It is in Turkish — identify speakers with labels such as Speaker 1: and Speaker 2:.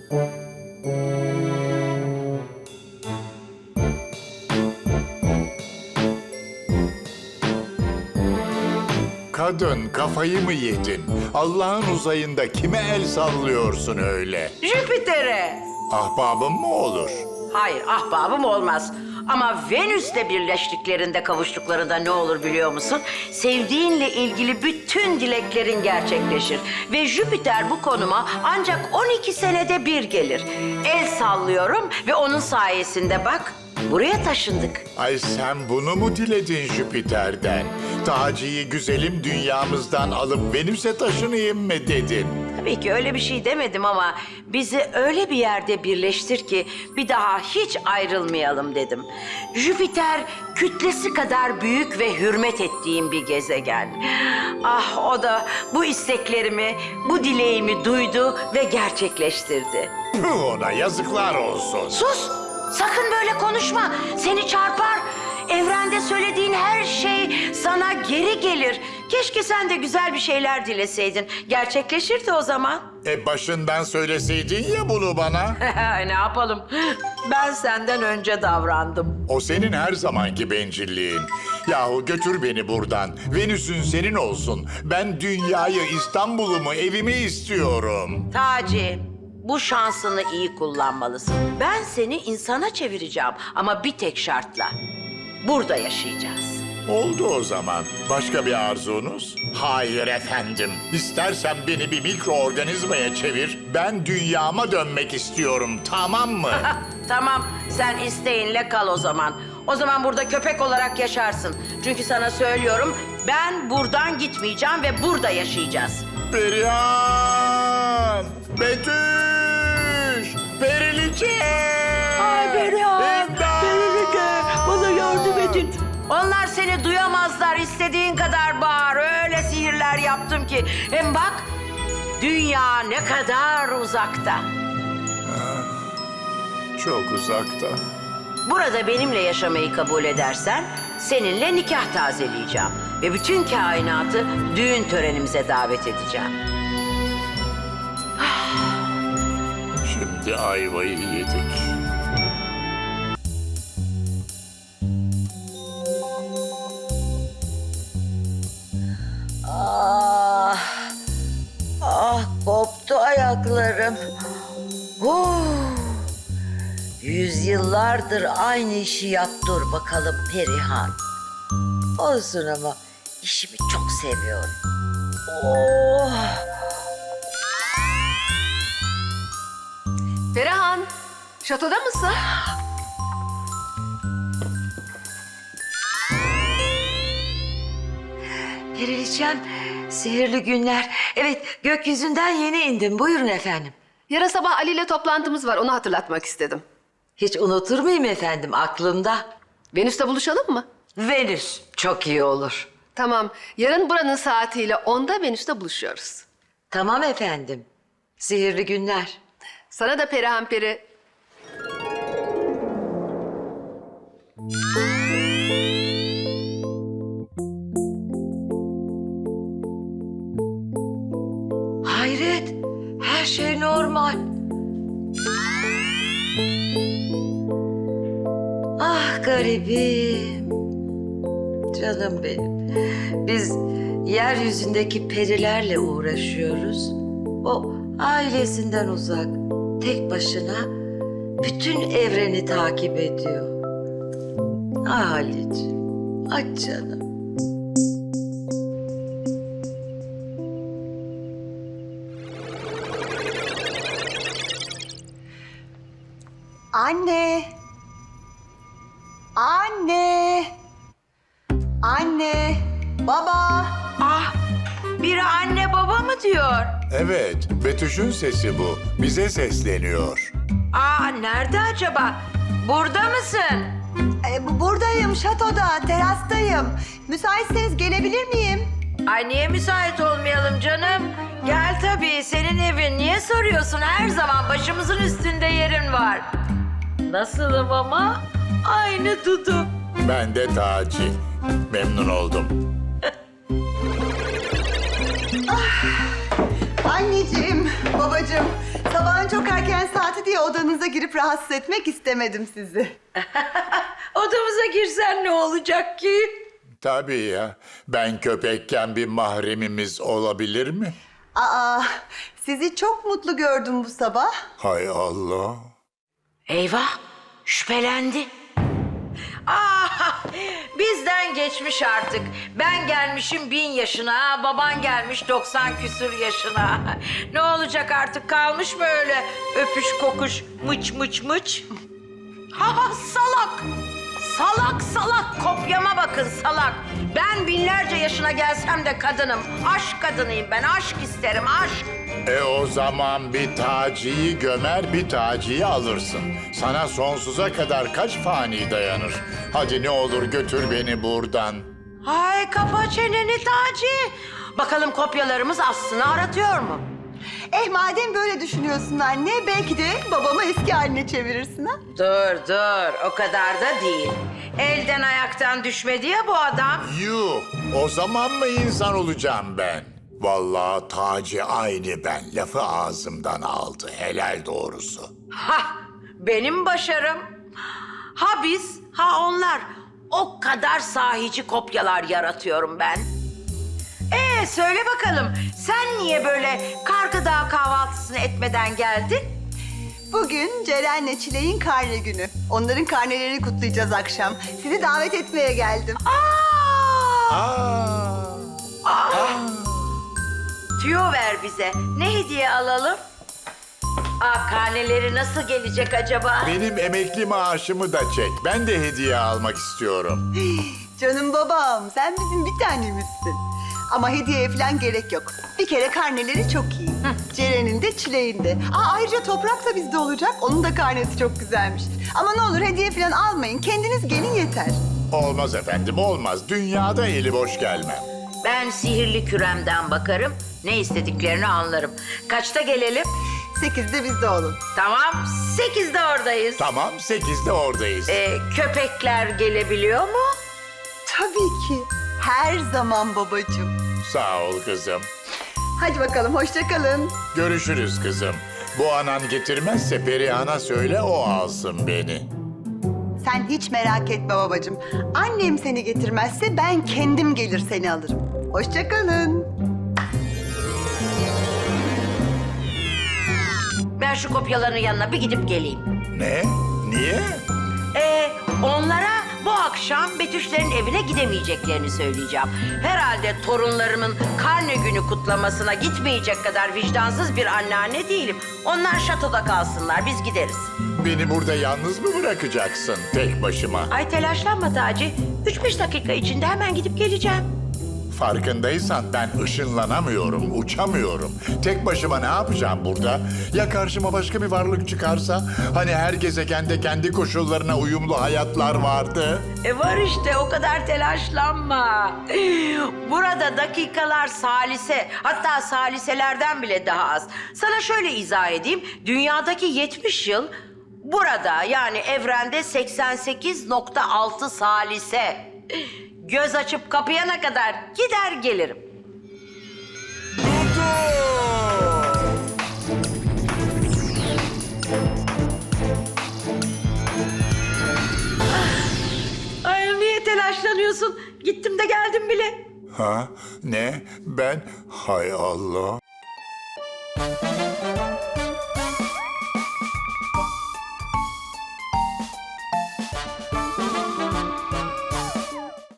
Speaker 1: Kadın, kafayı mı yedin? Allah'ın uzayında kime el sallıyorsun öyle?
Speaker 2: Jüpiter'e.
Speaker 1: Ahbabım mı olur?
Speaker 2: Hayır, ahbabım olmaz. Ama Venüs'le birleştiklerinde, kavuştuklarında ne olur biliyor musun? Sevdiğinle ilgili bütün dileklerin gerçekleşir. Ve Jüpiter bu konuma ancak 12 senede bir gelir. El sallıyorum ve onun sayesinde bak, buraya taşındık.
Speaker 1: Ay sen bunu mu diledin Jüpiter'den? Taci'yi güzelim dünyamızdan alıp Venüs'e taşınayım mı dedin?
Speaker 2: Tabii ki öyle bir şey demedim ama bizi öyle bir yerde birleştir ki bir daha hiç ayrılmayalım dedim. Jüpiter kütlesi kadar büyük ve hürmet ettiğim bir gezegen. Ah, o da bu isteklerimi, bu dileğimi duydu ve gerçekleştirdi.
Speaker 1: Puh, ona yazıklar olsun.
Speaker 2: Sus! Sakın böyle konuşma. Seni çarpar. Evrende söylediğin her şey sana geri gelir. Keşke sen de güzel bir şeyler dileseydin. Gerçekleşirdi o zaman.
Speaker 1: Başından söyleseydin ya bunu bana.
Speaker 2: Ne yapalım? Ben senden önce davrandım.
Speaker 1: O senin her zamanki bencilliğin. Yahu götür beni buradan. Venüs'ün senin olsun. Ben dünyayı, İstanbul'umu, evimi istiyorum.
Speaker 2: Taci, bu şansını iyi kullanmalısın. Ben seni insana çevireceğim ama bir tek şartla. Burada yaşayacağız.
Speaker 1: Oldu o zaman. Başka bir arzunuz? Hayır efendim. İstersen beni bir mikroorganizmaya çevir. Ben dünyama dönmek istiyorum, tamam mı?
Speaker 2: Tamam, sen isteğinle kal o zaman. O zaman burada köpek olarak yaşarsın. Çünkü sana söylüyorum, ben buradan gitmeyeceğim ve burada yaşayacağız.
Speaker 1: Perihan! Betüş! Periliçe!
Speaker 2: Ay Perihan!
Speaker 1: İmdat!
Speaker 2: Periliçe! Bana yardım edin. Onlar seni duyamazlar. İstediğin kadar bağır. Öyle sihirler yaptım ki. Hem bak, dünya ne kadar uzakta.
Speaker 1: Çok uzakta.
Speaker 2: Burada benimle yaşamayı kabul edersen seninle nikah tazeleyeceğim. Ve bütün kainatı düğün törenimize davet edeceğim.
Speaker 1: Şimdi ayvayı yedik.
Speaker 2: Ah, ah koptu ayaklarım. Yüzyıllardır aynı işi yap dur bakalım Perihan. Olsun ama işimi çok seviyorum. Oh.
Speaker 3: Perihan, şatoda mısın?
Speaker 2: Periliçem, sihirli günler. Evet, gökyüzünden yeni indim. Buyurun efendim.
Speaker 3: Yarın sabah Ali ile toplantımız var, onu hatırlatmak istedim.
Speaker 2: Hiç unutur muyum efendim, aklımda.
Speaker 3: Venüs'te buluşalım mı?
Speaker 2: Venüs, çok iyi olur.
Speaker 3: Tamam, yarın buranın saatiyle 10'da Venüs'te buluşuyoruz.
Speaker 2: Tamam efendim. Sihirli günler.
Speaker 3: Sana da Perihan Peri.
Speaker 2: Hayret, her şey normal. Ah garibim. Canım benim. Biz yeryüzündeki perilerle uğraşıyoruz. O ailesinden uzak, tek başına bütün evreni takip ediyor. Ah Halicim, ah canım.
Speaker 4: Anne. Anne. Anne. Baba.
Speaker 2: Ah, biri anne baba mı diyor?
Speaker 1: Evet, Betüş'ün sesi bu. Bize sesleniyor.
Speaker 2: Aa, nerede acaba? Burada mısın?
Speaker 4: Buradayım, şatoda, terastayım. Müsaitseniz gelebilir miyim?
Speaker 2: Ay niye müsait olmayalım canım? Gel tabii, senin evin. Niye soruyorsun? Her zaman başımızın üstünde yerin var. Nasılım ama? Aynı Dudu.
Speaker 1: Ben de Taci. Memnun oldum.
Speaker 4: Anneciğim, babacığım, Sabahın çok erken saati diye odanıza girip rahatsız etmek istemedim sizi.
Speaker 2: Odamıza girsen ne olacak ki?
Speaker 1: Tabii ya. Ben köpekken bir mahremimiz olabilir mi?
Speaker 4: Aa, sizi çok mutlu gördüm bu sabah.
Speaker 1: Hay Allah.
Speaker 2: Eyvah, şüphelendi. Ah, bizden geçmiş artık. Ben gelmişim 1000 yaşına, baban gelmiş 90 küsur yaşına. Ne olacak artık, kalmış mı öyle öpüş kokuş mıç mıç mıç? Ha salak! Salak salak kopyama bakın salak. Ben binlerce yaşına gelsem de kadınım. Aşk kadınıyım ben, aşk isterim aşk.
Speaker 1: O zaman bir Taci'yi gömer, bir Taci'yi alırsın. Sana sonsuza kadar kaç fani dayanır? Hadi ne olur götür beni buradan.
Speaker 2: Ay kapa çeneni Taci. Bakalım kopyalarımız aslını aratıyor mu?
Speaker 4: Madem böyle düşünüyorsun anne, belki de babamı eski haline çevirirsin ha?
Speaker 2: Dur, o kadar da değil. Elden ayaktan düşmedi ya bu adam.
Speaker 1: Yuh, o zaman mı insan olacağım ben? Vallahi Taci aynı ben. Lafı ağzımdan aldı, helal doğrusu.
Speaker 2: Ha, benim başarım. Ha biz, ha onlar. O kadar sahici kopyalar yaratıyorum ben. Söyle bakalım, sen niye böyle Kargı Dağı kahvaltısını etmeden geldin?
Speaker 4: Bugün Ceren'le Çilek'in karne günü. Onların karnelerini kutlayacağız akşam. Sizi davet etmeye geldim.
Speaker 2: Tüyo ver bize. Ne hediye alalım? Karneleri nasıl gelecek acaba?
Speaker 1: Benim emekli maaşımı da çek. Ben de hediye almak istiyorum.
Speaker 4: Canım babam, sen bizim bir tanemizsin. Ama hediyeye falan gerek yok. Bir kere karneleri çok iyi. Ceren'in de Çilek'in de. Ayrıca Toprak da bizde olacak. Onun da karnesi çok güzelmiş. Ama ne olur hediye falan almayın. Kendiniz gelin yeter.
Speaker 1: Olmaz efendim, olmaz. Dünyada eli boş gelmem.
Speaker 2: Ben sihirli küremden bakarım. Ne istediklerini anlarım. Kaçta gelelim?
Speaker 4: 8'de bizde olun.
Speaker 2: Tamam, 8'de oradayız.
Speaker 1: Tamam, 8'de oradayız.
Speaker 2: Köpekler gelebiliyor mu?
Speaker 4: Tabii ki. Her zaman babacığım.
Speaker 1: Sağ ol kızım.
Speaker 4: Hadi bakalım, hoşça kalın.
Speaker 1: Görüşürüz kızım. Bu anan getirmezse Perihan'a söyle, o alsın beni.
Speaker 4: Sen hiç merak etme babacığım. Annem seni getirmezse ben kendim gelir seni alırım. Hoşça kalın.
Speaker 2: Ben şu kopyaların yanına bir gidip geleyim.
Speaker 1: Ne? Niye?
Speaker 2: Onlara bu akşam Betüşlerin evine gidemeyeceklerini söyleyeceğim. Herhalde torunlarımın karne günü kutlamasına gitmeyecek kadar vicdansız bir anneanne değilim. Onlar şatoda kalsınlar, biz gideriz.
Speaker 1: Beni burada yalnız mı bırakacaksın tek başıma?
Speaker 2: Ay telaşlanma Taci. 3-5 dakika içinde hemen gidip geleceğim.
Speaker 1: Farkındaysan ben ışınlanamıyorum, uçamıyorum. Tek başıma ne yapacağım burada? Ya karşıma başka bir varlık çıkarsa? Hani her gezegende kendi koşullarına uyumlu hayatlar vardı.
Speaker 2: Var işte, o kadar telaşlanma. Burada dakikalar salise, hatta saliselerden bile daha az. Sana şöyle izah edeyim. Dünyadaki 70 yıl burada, yani evrende 88,6 salise. Göz açıp kapayana kadar gider gelirim. Ay niye telaşlanıyorsun? Gittim de geldim bile.
Speaker 1: Ha? Ne? Ben? Hay Allah.